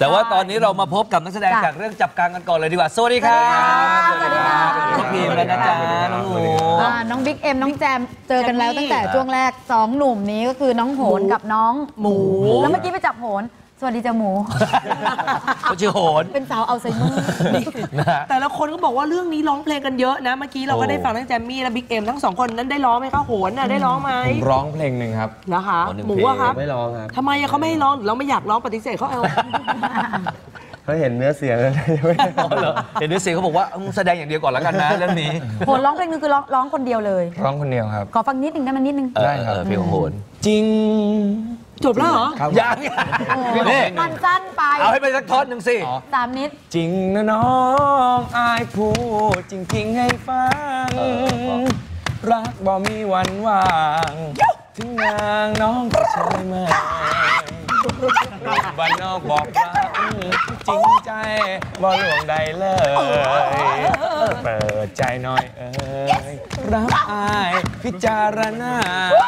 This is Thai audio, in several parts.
แต่ว่าตอนนี้เรามาพบกับนักแสดงจากเรื่องจับกังกันก่อนเลยดีกว่าสวัสดีครับสวัสดีครับน้องพีมและนะจ๊ะน้องหมูน้องบิ๊กเอ็มน้องแจมเจอกันแล้วตั้งแต่ช่วงแรก2หนุ่มนี้ก็คือน้องโหนกับน้องหมูแล้วเมื่อกี้ไปจับโหนสวัสดีจ้าหมูเขาชื่อโหนเป็นสาวอัลไซเมอร์แต่ละคนก็บอกว่าเรื่องนี้ร้องเพลงกันเยอะนะเมื่อกี้เราก็ได้ฟังทั้งแจมมี่และบิ๊กเอ็มทั้ง2คนนั้นได้ร้องไหมคะโหนน่ะได้ร้องไหมผมร้องเพลงหนึ่งครับนะคะหมูอะครับไม่ร้องครับทำไมเขาไม่ให้ร้องเราไม่อยากร้องปฏิเสธเขาเอาเขาเห็นเนื้อเสียงแล้วไม่เห็นเนื้อเสียงเขาบอกว่าแสดงอย่างเดียวก่อนแล้วกันนะเรื่องนี้โหนร้องเพลงนึงคือร้องคนเดียวเลยร้องคนเดียวครับขอฟังนิดนึงได้ไหมนิดนึงได้ครับเพลงของโหนจริงจบแล้วเหรอยังมันสั้นไปเอาให้ไปสักท่อนหนึ่งสิ 3 นิดจริงนะน้องอายพูดจริงๆให้ฟังรักบ่มีวันว่างถึงนางน้องก็ใช่ไหมบ้านนอกบอกรักจริงใจบ่หลวงใดเลยเปิดใจหน่อยรักอายพิจารณา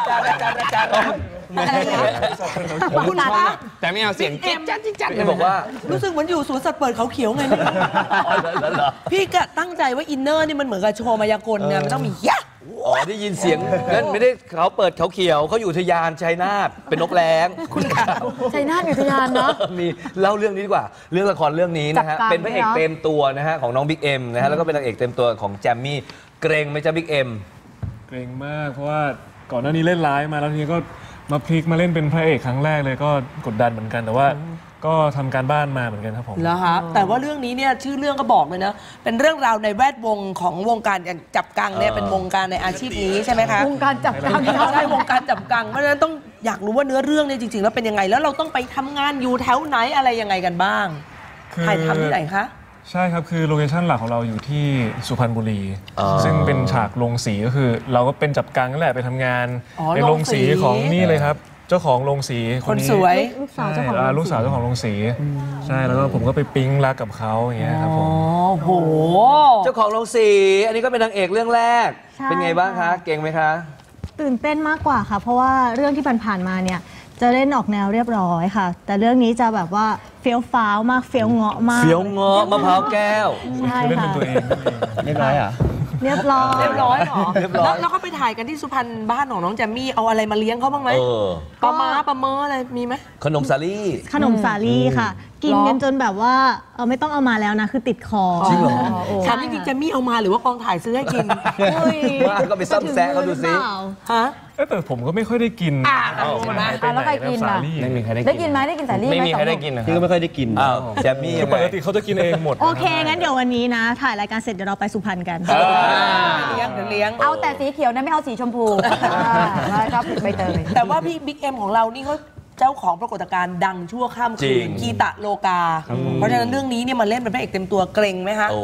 คุณคะแต่ไม่เอาเสียงเก็บจัดเลยบอกว่ารู้สึกเหมือนอยู่สวนสัตว์เปิดเขาเขียวไงพี่ก็ตั้งใจว่าอินเนอร์นี่มันเหมือนกับโชว์มายากลเนี่ยมันต้องมียะอ๋อได้ยินเสียงนั่นไม่ได้เขาเปิดเขาเขียวเขาอยู่อุทยานชัยนาทเป็นนกแร้งคุณชัยนาทอุทยานเนาะมีเล่าเรื่องนี้ดีกว่าเรื่องละครเรื่องนี้นะฮะเป็นพระเอกเต็มตัวนะฮะของน้องบิ๊กเอ็มนะฮะแล้วก็เป็นนางเอกเต็มตัวของแจมมี่เกรงไหมจ๊ะบิ๊กเอ็มเกรงมากเพราะว่าก่อนหน้านี้เล่นร้ายมาแล้วทีนี้ก็มาพลิกมาเล่นเป็นพระเอกครั้งแรกเลยก็กดดันเหมือนกันแต่ว่าก็ทำการบ้านมาเหมือนกันครับผมแล้วครับแต่ว่าเรื่องนี้เนี่ยชื่อเรื่องก็บอกเลยนะเป็นเรื่องราวในแวดวงของวงการจับกังเนี่ยเป็นวงการในอาชีพนี้ใช่ไหมคะวงการจับกังใช่วงการจับกังเพราะฉะนั้นต้องอยากรู้ว่าเนื้อเรื่องเนี่ยจริงๆแล้วเป็นยังไงแล้วเราต้องไปทำงานอยู่แถวไหนอะไรยังไงกันบ้างถ่ายทำที่ไหนคะใช่ครับคือโลเคชั่นหลักของเราอยู่ที่สุพรรณบุรีซึ่งเป็นฉากโรงสีก็คือเราก็เป็นจับกังนั่นแหละไปทำงานในโรงสีของนี่เลยครับเจ้าของโรงสีคนสวยลูกสาวเจ้าของโรงสีใช่แล้วก็ผมก็ไปปิ๊งรักกับเขาอย่างเงี้ยครับผมโหเจ้าของโรงสีอันนี้ก็เป็นนางเอกเรื่องแรกเป็นไงบ้างคะเก่งไหมคะตื่นเต้นมากกว่าค่ะเพราะว่าเรื่องที่ผ่านมาเนี่ยจะเล่นออกแนวเรียบร้อยค่ะแต่เรื่องนี้จะแบบว่าเฟี้ยวฟ้าวมากเฟี้ยวเงาะมากเฟี้ยวเงาะมะพร้าวแก้วใช่ค่ะเรียบร้อยอ่ะเรียบร้อยหรอแล้วก็ไปถ่ายกันที่สุพรรณบ้านของน้องแจมมี่เอาอะไรมาเลี้ยงเขาบ้างไหมปลาม้าปลาเมออะไรมีไหมขนมสาลี่ค่ะกินกันจนแบบว่าไม่ต้องเอามาแล้วนะคือติดคอจริงเหรอถามจริงๆแจมมี่เอามาหรือว่ากองถ่ายซื้อให้กินว่าก็ไปซ่อมแซะเขาดูซิฮะแต่ผมก็ไม่ค่อยได้กินแล้วใครกินล่ะไม่มีใครได้กินไหมได้กินสาลี่ไม่มีใครได้กินพี่ก็ไม่ค่อยได้กินแจมมี่ปกติเขาจะกินเองหมดโอเคงั้นเดี๋ยววันนี้นะถ่ายรายการเสร็จเดี๋ยวเราไปสุพรรณกันเลี้ยงเอาแต่สีเขียวนะไม่เอาสีชมพูครับใบเตยแต่ว่าพี่บิ๊กเอ็มของเรานี่เขาเจ้าของปรากฏการณ์ดังชั่วข้ามคืนกีตะโลกาเพราะฉะนั้นเรื่องนี้เนี่ยมันเล่นเป็นพระเอกเต็มตัวเกรงไหมคะ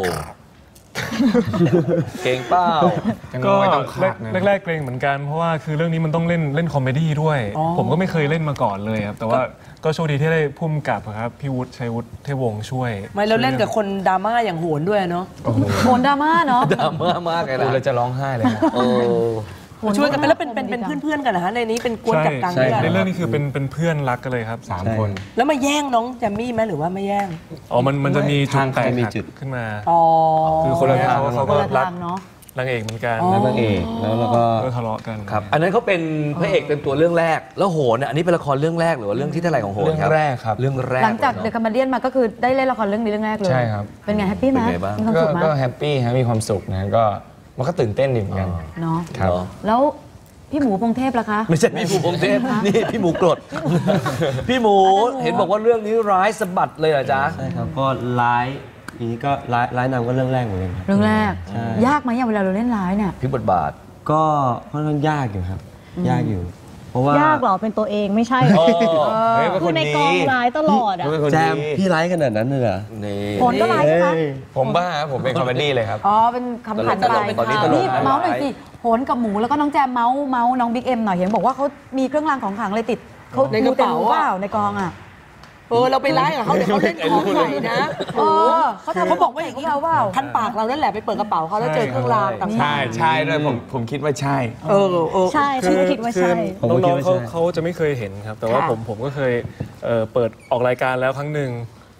เก่งเปล่าก็แรกๆเกรงเหมือนกันเพราะว่าคือเรื่องนี้มันต้องเล่นคอมเมดี้ด้วยผมก็ไม่เคยเล่นมาก่อนเลยครับแต่ว่าก็โชคดีที่ได้พุ่มกับครับพี่วุฒิชัยวุฒิเทพวงศ์ช่วยไม่แล้วเล่นกับคนดราม่าอย่างโหนด้วยเนาะโหนดราม่าเนาะดราม่ามากเลยนะเราจะร้องไห้เลยช่วยกันไปแล้วเป็นเพื่อนกันนะฮะในนี้เป็นกวนจับกังในเรื่องนี้คือเป็นเพื่อนรักกันเลยครับ3 คนแล้วมาแย่งน้องแจมมี่ไหมหรือว่าไม่แย่งมันจะมีจุดแตกขึ้นมาคือคนละทางเขาก็รักนางเอกเหมือนกันนางเอกแล้วก็ทะเลาะกันครับอันนั้นเขาเป็นพระเอกเต็มตัวเรื่องแรกแล้วโหนอันนี้เป็นละครเรื่องแรกหรือว่าเรื่องที่เท่าไหร่ของโหนครับเรื่องแรกครับเรื่องแรกหลังจากเดอะคัมเบเดียนมาก็คือได้เล่นละครเรื่องนี้เรื่องแรกเลยใช่ครับเป็นไงแฮปปี้ไหมมีความสุขไหมก็แฮปปี้มีความสุขนะก็มันก็ตื่นเต้นดีเหมือนกันเนาะครับแล้วพี่หมูพงเทพล่ะคะไม่ใช่พี่หมูพงเทพนี่พี่หมูกรดพี่หมูเห็นบอกว่าเรื่องนี้ร้ายสะบัดเลยเหรอจ๊ะใช่ครับก็ร้ายนี้ก็ร้ายนำก็เรื่องแรกเหมือนกันเรื่องแรกยากไหมเวลาเราเล่นร้ายเนี่ยพี่บทบาทก็ค่อนข้างยากอยู่ครับยากอยู่เพราะว่ายากหรอเป็นตัวเองไม่ใช่คือในกองร้ายตลอดอ่ะแจมพี่ร้ายขนาดนั้นเลยเหรอผลก็ร้ายใช่ไหมผมบ้าผมเป็นคอมเมดี้เลยครับเป็นคำขันไปนี่เมาส์หน่อยสิโหนกับหมูแล้วก็น้องแจมเมาส์น้องบิ๊กเอ็มหน่อยเห็นบอกว่าเขามีเครื่องรางของขลังเลยติดเขาในกระเป๋าในกองอ่ะเราไปไล่กับเขาเดี๋ยวเขาเล่นของใส่นะเขาบอกว่าอย่างนี้พันปากเรานั่นแหละไปเปิดกระเป๋าเขาแล้วเจอเครื่องรางต่างๆใช่ด้วยผมคิดว่าใช่ใช่ฉันคิดว่าใช่น้องๆเขาจะไม่เคยเห็นครับแต่ว่าผมก็เคยเปิดออกรายการแล้วครั้งหนึ่ง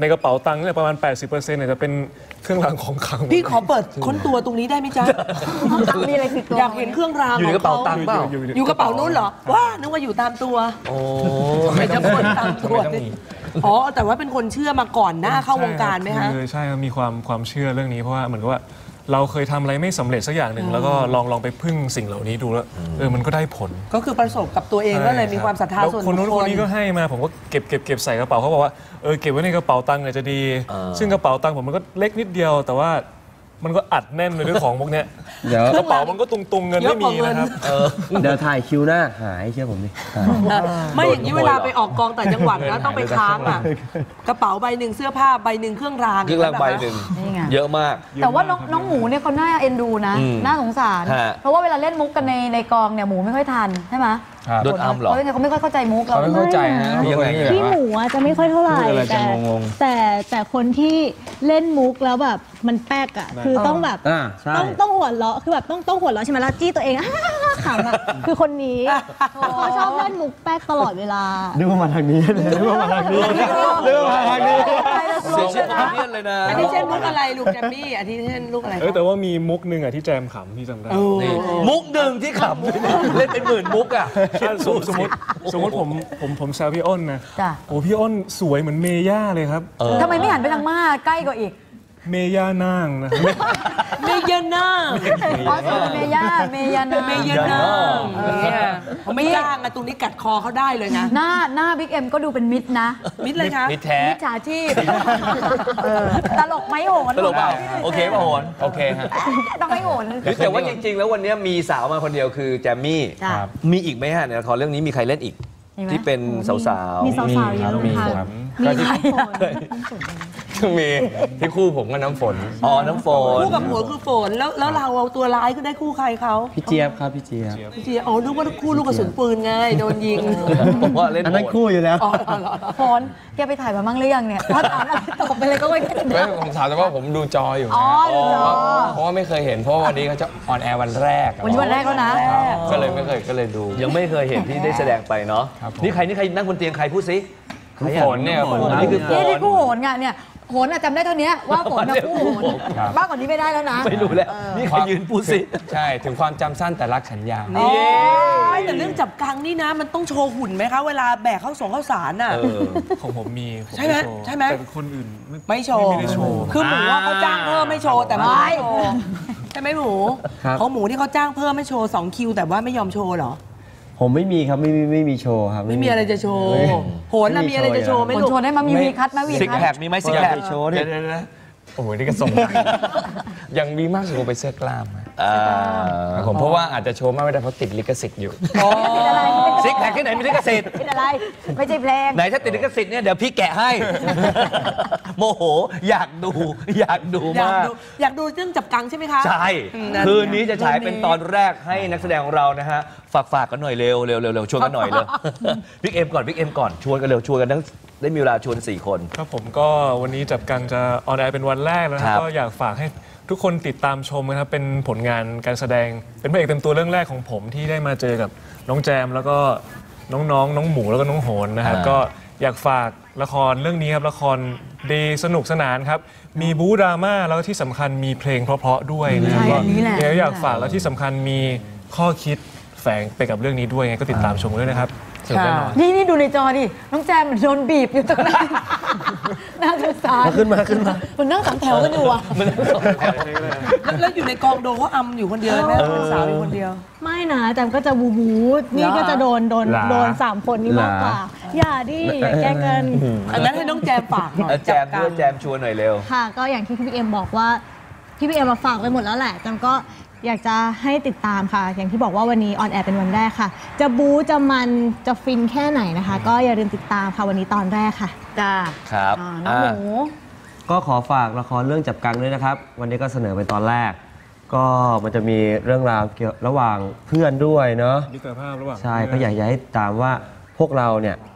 ในกระเป๋าตังค์เนี่ยประมาณ 80%เนี่ยจะเป็นเครื่องรางของขลังพี่ขอเปิดค้นตัวตรงนี้ได้ไหมจ๊ะมีอะไรติดตัวอยากเห็นเครื่องรางอยู่ในกระเป๋าตังค์เปล่าอยู่กระเป๋านู้นเหรอว่านึกว่าอยู่ตามตัวโอ้ไม่จะคนตามตัวอ๋อแต่ว่าเป็นคนเชื่อมาก่อนหน้าเข้าวงการไหมคะใช่ครับมีความเชื่อเรื่องนี้เพราะว่าเหมือนกับว่าเราเคยทำอะไรไม่สำเร็จสักอย่างหนึ่งแล้วก็ลองไปพึ่งสิ่งเหล่านี้ดูแล้วมันก็ได้ผลก็คือประสบกับตัวเองก็เลยมีความศรัทธาแล้วส่วนคนนู้นบุคคนนี้ก็ให้มาผมก็เก็บใส่กระเป๋าเขาบอกว่าเก็บไว้ในกระเป๋าตังค์เนี่ยจะดี ซึ่งกระเป๋าตังค์ผมมันก็เล็กนิดเดียว แต่ว่ามันก็อัดแน่นไปด้วยของพวกเนี้ยเดี๋ยวกระเป๋ามันก็ตุงเงินไม่มีนะครับเดี๋ยวถ่ายคิวหน้าหายเชื่อผมดิหายไม่อย่างนี้เวลาไปออกกองต่างจังหวัดแล้วต้องไปค้างอ่ะกระเป๋าใบหนึ่งเสื้อผ้าใบหนึ่งเครื่องรางเครื่องรางใบหนึ่งนี่ไงเยอะมากแต่ว่าน้องหมูเนี่ยเขาน่าเอ็นดูนะ น่าสงสารฮะเพราะว่าเวลาเล่นมุกกันในกองเนี่ยหมูไม่ค่อยทันใช่ไหมครับโดนอัมเหรอเขาไม่ค่อยเข้าใจมุกเราเขาไม่เข้าใจฮะยังไงเป็นคนที่พี่แบบหว่ามูอะจะไม่ค่อยเท่าไหร่พูดอะไรจะแต่งงแต่คนที่เล่นมุกแล้วแบบมันแป๊กอ่ะคือต้องแบบใช่ต้องหัวเราะคือแบบต้องหัวเราะใช่ไหมล่ะจี้ตัวเอง ขำอ่ะคือคนนี้เขาชอบเล่นมุกแป๊กตลอดเวลานึกว่ามาทางนี้เลยนึกว่ามาทางนี้นึกว่ามาทางนี้เสียชื่อความเพี้ยนเลยนะอันนี้เช่นมุกอะไรลูกแจมมี่อันนี้เช่นลูกอะไรแต่ว่ามีมุกหนึ่งที่แจมขำพี่จำได้นี่มุกหนึ่งที่ขำเล่นเป็นหมื่นมุกอ่ะสมมติผมแซวพี่อ้นนะจ้ะโอ้พี่อ้นสวยเหมือนเมย่าเลยครับทำไมไม่หันไปทางม่าใกล้กว่าอีกเมย่านางนะครับเมยาน่าอ๋อสวยเมย่าเมยานาเมยาน่าเนี่ยเขาไม่จ้างอะตรงนี้กัดคอเขาได้เลยนะหน้าบิ๊กเอ็มก็ดูเป็นมิตรนะมิดเลยคะมิตรแท้มิจฉาชีพตลกไหมโหนตลกเปล่าโอเคป่ะโหนโอเคฮะต้องให้โหนแต่ว่าจริงๆ แล้ววันนี้มีสาวมาคนเดียวคือแจมมี่จ้ะมีอีกไหมฮะในละครเรื่องนี้มีใครเล่นอีกมีไหมที่เป็นสาวมีสาวๆเยอะมีค่ะครับมีใครมีที่คู่ผมกับน้ำฝนๆอ๋อน้ำฝนคู่กับหัวคือฝนแล้วเราเอาตัวร้ายก็ได้คู่ใครเขาพี่เจี๊ยบครับพี่เจี๊ยบพี่เจียอ๋อนึกว่าคู่ลูกกระสุนปืนไงโดนยิงผมว่าเล่นอันนั้นโหดคู่อยู่แล้วอ๋อเหรอโหนแกไปถ่ายมาบ้างหรือยังเนี่ยพอถามอะไรตอบไปเลยก็ไม่ไม่ผมถามแต่ว่าผมดูจออยู่อ๋อดูจอเพราะว่าไม่เคยเห็นเพราะว่าวันนี้เขาจะออนแอร์วันแรกวันนี้วันแรกแล้วนะก็เลยไม่เคยก็เลยดูยังไม่เคยเห็นที่ได้แสดงไปเนาะครับผมนี่ใครนั่งบนเตียงใครพูดสิฝนเนี่ยฝนนี่คือฝนี่นที่คู่โหนไงเนี่ยโหนอะจำได้เท่านี้ว่าโหนนะคู่โหนครับมากกว่านี้ไม่ได้แล้วนะไม่รู้แล้วนี่ใครยืนพูดสิใช่ถึงความจำสั้นแต่รักฉันยาวนี่ไม่แต่เรื่องจับกังนี่นะ มันต้องโชว์หุ่นไหมคะ เวลาแบกข้าวสารน่ะของผมมีผใช่ไหมโว์ใช่ไหมแต่คนอื่นไม่โชว์ไม่ได้โชว์คือหมูว่าเขาจ้างเพิ่มไม่โชว์แต่ไม่โชว์ใช่ไหมหมูครับของหมูที่เขาจ้างเพิ่มไม่โชว์2คิวแต่ว่าไม่ยอมโชว์เหรอผมไม่มีครับไม่มีโชว์ครับไม่มีอะไรจะโชว์โหนน่ะมีอะไรจะโชว์ไหมโหนลูกโชว์ได้มามีวีคัทไหมวีซิกคัทแพคมีไหมซิกแพคโชว์ดิเดี๋ยวนะโอ้โหนี่ก็ส่ง ยังมีมากสุดก็ไปเสื้อกล้ามฮะครับผมเพราะว่าอาจจะโชว์มากไม่ได้เพราะติดลิขสิทธิ์อยู่เป็นอะไรซิกแพคที่ไหนมีลิขสิทธิ์เป็นอะไร ไม่ใช่เพลงไหนถ้าติดลิขสิทธิ์เนี่ยเดี๋ยวพี่แกะให้ โมโหอยากดูอยามอยากดูกมากดูอยากดูเรื่องจับกังใช่ไหมคะใช่นั่นคืนนี้จะฉายเป็นตอนแรกให้นักแสดงของเรานะฮะ ฝากกันหน่อยเร็วชวนกันหน่อยเลย บิ๊กเอ็มก่อนชวนกันเร็วชวนกันทั้งได้มีเวลาชวน4 คนครับผมก็วันนี้จับกังจะออนแอร์เป็นวันแรกแล้วนะคครัรับบ ก็อยากฝากให้ทุกคนติดตามชมนะครับเป็นผลงานการแสดงเป็นพระเอกเต็มตัวเรื่องแรกของผมที่ได้มาเจอกับน้องแจมแล้วก็น้องหมูแล้วก็น้องโหนนะครับก็อยากฝากละครเรื่องนี้ครับละครดีสนุกสนานครับมีบู๊ดราม่าแล้วก็ที่สำคัญมีเพลงเพราะๆด้วยนะครับใช่ก็อันนี้แหละอยากฝากแล้วที่สำคัญมีข้อคิดแฝงไปกับเรื่องนี้ด้วยไงก็ติดตามชมกันด้วยนะครับสนุกแน่นอนนี่ดูในจอดิ น้องแจมเหมือนโดนบีบอยู่ตรงนั้นน่าสงสารขึ้นมาคุณนั่งสองแถวกันอยู่อ่ะแล้วอยู่ในกองโดนเขาอำอยู่คนเดียวไหมเป็นสาวอยู่คนเดียวไม่นะแจมก็จะบูบูนี่ก็จะโดน3 คนนี้มากกว่า อย่าดิอย่าแกล้งกันอันนั้นให้น้องแจมฝากหน่อยแจมด้วยแจมชวนหน่อยเร็วค่ะ ก็อย่างที่พี่เอ็มบอกว่าพี่เอ็มมาฝากไปหมดแล้วแหละแจมก็อยากจะให้ติดตามค่ะ อย่างที่บอกว่าวันนี้ออนแอร์เป็นวันแรกค่ะ จะบู๊จะมันจะฟินแค่ไหนนะคะ ก็อย่าลืมติดตามค่ะวันนี้ตอนแรกค่ะจ้าครับน้องหมูก็ขอฝากละครเรื่องจับกังด้วยนะครับ วันนี้ก็เสนอเป็นตอนแรก ก็มันจะมีเรื่องราวเกี่ยวระหว่างเพื่อนด้วยเนาะมิตรภาพระหว่างใช่ก็อยากจะให้ติดตามว่าพวกเราเนี่ย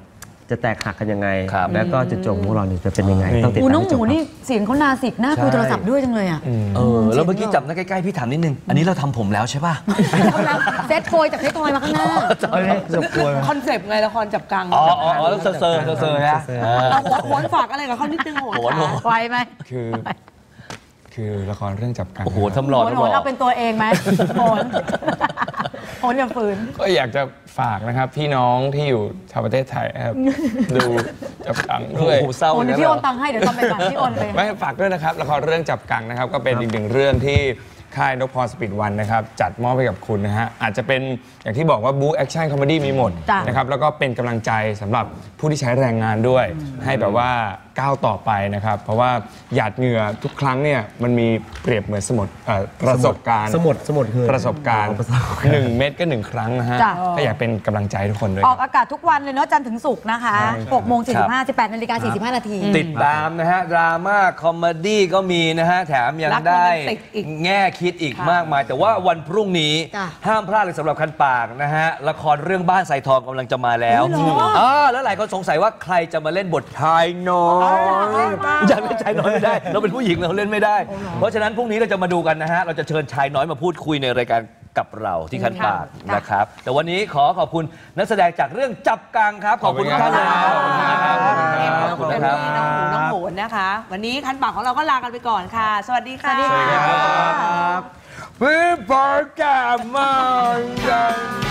จะแตกหักกันยังไงครับแล้วก็จุดจบของพวกเราเนี่ยจะเป็นยังไงต้องติดโอ้ตามน้องให้หจมูบครับนี่เสียงเขานาสิกหน้าคุยโทรศัพท์ด้วยจังเลยอ่ะแล้วเมื่อกี้จับหน้าใกล้ๆพี่ถามนิดนึง อันนี้เราทำผมแล้วใช่ป่ะเซตโพยจากเซตโพยมาข้างหน้าคอนเซปต์ไงละครจับกังอ๋อแล้วเซอร์ฮะเราโหนฝากอะไรกับเขานิดนึงโหนโหนค่ะไวไหมคือละครเรื่องจับกังโอ้โหทำหล่อโหนทำโหหล่นอเอาเป็นตัวเองไหมโหนโหนอย่าฝืนก็อยากจะฝากนะครับพี่น้องที่อยู่ชาวประเทศไทยนะครับ ดูจับกังโอ้ด้วยโหเศร้าโอนเลยเดี๋ยวพี่โอนตังค์ให้เดี๋ยวทำรายการพี่โอนเลยไม่ฝากด้วยนะครับละครเรื่องจับกังนะครับก็เป็นอีกหนึ่งเรื่องที่ค่ายนพพรสปีดวันนะครับจัดมอบให้กับคุณนะฮะอาจจะเป็นอย่างที่บอกว่าบู๊แอคชั่นคอมเมดี้มีหมดจ้ะนะครับแล้วก็เป็นกำลังใจสำหรับผู้ที่ใช้แรงงานด้วย ให้แบบว่าก้าวต่อไปนะครับเพราะว่าหยาดเหงื่อทุกครั้งเนี่ยมันมีเปรียบเหมือนสมุดประสบการณ์สมุดคือประสบการณ์1 เม็ดก็ 1 ครั้งนะฮะจ้ะก็อยากเป็นกำลังใจให้ทุกคนด้วยออกอากาศทุกวันเลยเนาะจันทร์ถึงศุกร์นะคะ6 โมง 45 18 นาฬิกา 45 นาทีติดตามนะฮะ ดราม่าคอมเมดี้ก็มีนะฮะ แถมยังรักได้โรแมนติกอีกแง่คิดอีกมากมาย แต่ว่าวันพรุ่งนี้จ้ะห้ามพลาดเลยสำหรับคันปากนะฮะ ละครเรื่องบ้านไซทองกำลังจะมาแล้วแล้วหลายคนสงสัยว่าใครจะมาเล่นบทชายน้อยอยากเล่นชายน้อยไม่ได้ เราเป็นผู้หญิงเราเล่นไม่ได้ เพราะฉะนั้นพรุ่งนี้เราจะมาดูกันนะฮะ เราจะเชิญชายน้อยมาพูดคุยในรายการกับเราที่คันปากนะครับ แต่วันนี้ขอขอบคุณนักแสดงจากเรื่องจับกังครับ ขอบคุณทุกท่านนะครับขอบคุณนะครับขอบคุณพี่น้องโหนนะคะ วันนี้คันปากของเราก็ลากันไปก่อนค่ะ สวัสดีค่ะสวัสดีครับพี่ปากแก่มาก